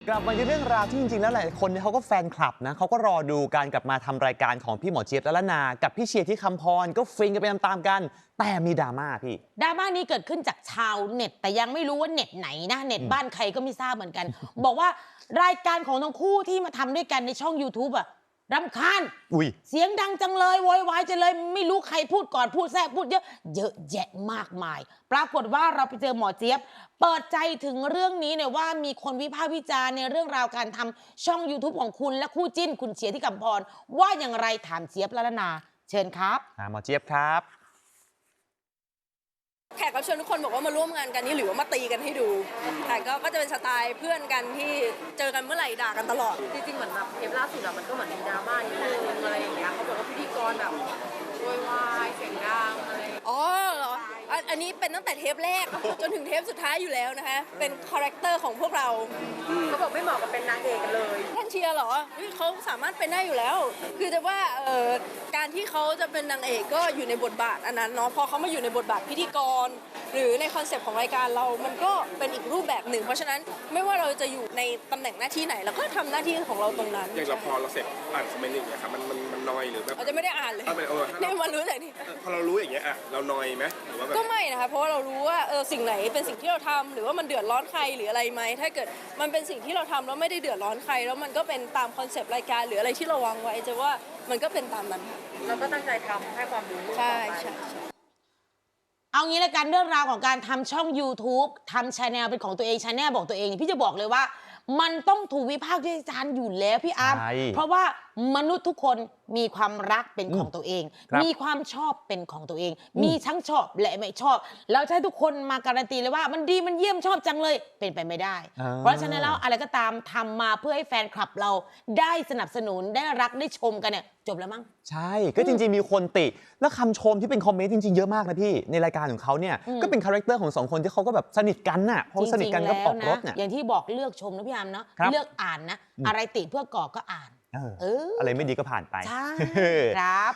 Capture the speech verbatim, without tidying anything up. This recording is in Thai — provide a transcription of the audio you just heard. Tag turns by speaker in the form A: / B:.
A: กลับมาที่เรื่องราวที่จริงๆแล้วหลายคนเนี่ยเขาก็แฟนคลับนะเขาก็รอดูการกลับมาทำรายการของพี่หมอเจี๊ยบและละนากับพี่เชียร์ที่คำพรก็ฟินกันไปตามๆกันแต่มีดราม่าพี่
B: ดราม่านี้เกิดขึ้นจากชาวเน็ตแต่ยังไม่รู้ว่าเน็ตไหนนะเน็ตบ้านใครก็ไม่ทราบเหมือนกัน บอกว่ารายการของทั้งคู่ที่มาทำด้วยกันในช่อง YouTube อะรำคาญ
A: อุ้ย
B: เสียงดังจังเลยโวยวายจังเลยไม่รู้ใครพูดก่อนพูดแทรกพูดเยอะเยอะแยะมากมายปรากฏว่าเราไปเจอหมอเจี๊ยบเปิดใจถึงเรื่องนี้เนี่ยว่ามีคนวิพากษ์วิจารณ์ในเรื่องราวการทำช่อง YouTube ของคุณและคู่จิ้นคุณเชียร์ที่คำพรว่าอย่างไรถามเจี๊ยบและละนาเชิญครับ
A: หมอเจี๊ยบครับ
C: แขกรับเชิญทุกคนบอกว่ามาร่วมงานกันนี่หรือว่ามาตีกันให้ดูแต่ก็ก็จะเป็นสไตล์เพื่อนกันที่เจอกันเมื่อไหร่ด่ากันตลอด
D: จริงๆเหมือนแบบเทปล่าสุดอะมันก็เหมือนมีดราม่านิดนึงอะไรอย่างเงี้ยเขาบอกว่าพิธีกรแบบโวยวายเสียงดังอะไร
C: อ๋อเหรออันอันนี้เป็นตั้งแต่เทปแรกจนถึงเทปสุดท้ายอยู่แล้วนะคะเป็นคาแรคเตอร์ของพวกเรา
D: เขาบอกไม่เหมาะกับเป็นนางเอกกันเลย
C: ท่านเชียร์เหรอเขาสามารถเป็นได้อยู่แล้วคือจะว่าเอ่อการที่เขาจะเป็นนางเอกก็อยู่ในบทบาทอันนั้นเนาะพอเขามาอยู่ในบทบาทพิธีกรหรือในคอนเซปต์ของรายการเรามันก็เป็นอีกรูปแบบหนึ่งเพราะฉะนั้นไม่ว่าเราจะอยู่ในตำแหน่งหน้าที่ไหนเราก็ทำหน้าที่ของเราตรงนั้น
E: อย่างเราพอเราเสร็จอ่านคอมเมนต์อย่างเงี้ยครับมันมันมันนอยหรือแบบ
C: เราจะไม่ได้อ่านเลยนี่มารู้จากนี่
E: พอเรารู้อย่างเงี้ยอ่ะเรานอยไหมหรือว่าแบบ
C: ก็ไม่นะคะเพราะว่าเรารู้ว่าเออสิ่งไหนเป็นสิ่งที่เราทำหรือว่ามันเดือดร้อนใครหรืออะไรไหมถ้าเกิดมันเป็นสิ่งที่เราทำแล้วไม่ได้เดือดร้อนใครแล้วมันก็เป็นตามคอนเซปต์รายการหรืออะไรที่เราวางไว้จะว่ามันก็เป็นตามนั้น
D: เราก็ตั้งใจทำให้ความรู้
C: ใช่ใช่
B: เอางี้ละกันเรื่องราวของการทำช่อง YouTube ทำชาแนลเป็นของตัวเองชาแนลบอกตัวเองพี่จะบอกเลยว่ามันต้องถูกวิพากษ์วิจารณ์อยู่แล้วพี่อาร์มเพราะว่ามนุษย์ทุกคนมีความรักเป็นของตัวเองมีความชอบเป็นของตัวเอง มีทั้งชอบและไม่ชอบแล้วให้ทุกคนมาการันตีเลยว่ามันดีมันเยี่ยมชอบจังเลยเป็นไปไม่ได้เพราะฉะนั้นแล้วอะไรก็ตามทำมาเพื่อให้แฟนคลับเราได้สนับสนุนได้รักได้ชมกันเนี่ยจบแล้วมั้ง
A: ใช่ก็จริงๆมีคนติแล้วคำชมที่เป็นคอมเมนต์จริงๆเยอะมากนะพี่ในรายการของเขาเนี่ยก็เป็นคาแรคเตอร์ของสองคนที่เขาก็แบบสนิทกันน่ะพอสนิทกันก็ออกรถเนี่ย
B: อย่างที่บอกเลือกชมนะพี่อาร์มเนาะเลือกอ่านนะอะไรติเพื่อก่อก็อ่าน
A: เอออะไรไม่ดีก็ผ่านไป
B: ใช่ครับ